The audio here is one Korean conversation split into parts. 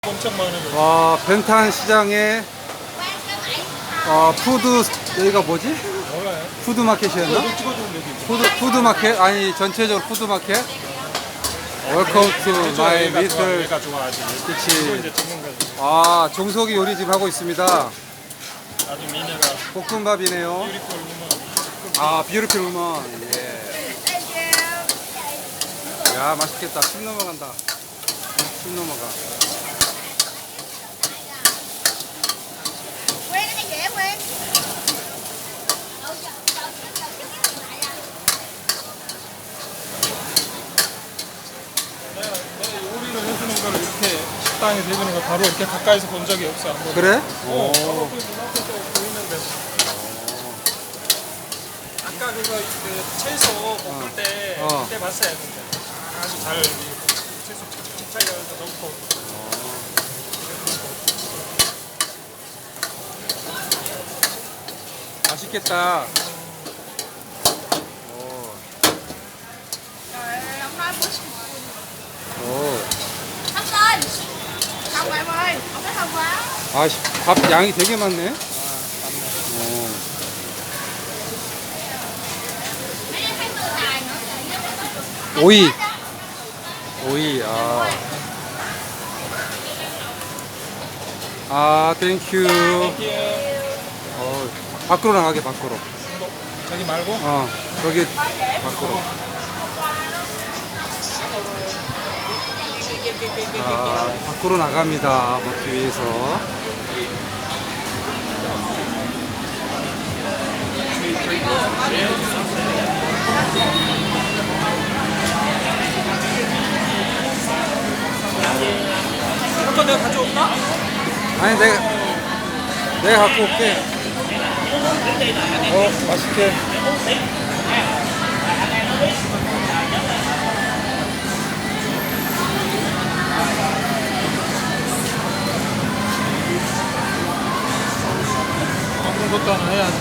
엄청 많은 거. 와, 벤탄 시장에 푸드, 여기가 뭐지? 몰라요. 푸드마켓이었나? 이거 찍어주면 되지. 푸드마켓? 아니, 전체적으로 푸드마켓? 웰컴 투 마이 미틀. 얘가 좋아하지. 이거 그치. 이제 찍는 거지. 아, 종석이 요리집 하고 있습니다. 아주 미녀가 볶음밥이네요. 뷰티풀 우먼. 아, 뷰티풀 우먼. 예. 야, 맛있겠다. 침 넘어간다. 침 넘어가. Quen cái này chị em quen. 내가 요리를 해주는 거를 이렇게 식당에 대주는 거 바로 이렇게 가까이서 본 적이 없어. 한 번도. 그래? 바로 오. 그 눈앞에서 보이는데. 아까 그 채소 볶을 때 그때 봤어요. 근데 아주 잘 채소 찹쌀려서 넣고. 맛있겠다. Trời ơi, ông nói bút 오. Thắp lên. Không em ơi, ông nói không quá. 아, 밥 양이 되게 많네. 오. Mấy đứa thấy mưa tài nữa. 오이. 오이, 아. 아, 땡큐. 이렇게 밖으로 나가게, 밖으로. 저기 말고 저기, 밖으로. 아, 밖으로 나갑니다. 먹기 위해서. 이거 내가 가져올까? 아니, 내가 갖고 올게. 맛있게. 먹는 것도 하나 해야지.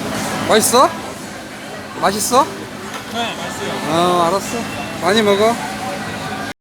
맛있어? 맛있어? 네, 맛있어요. 알았어. 많이 먹어.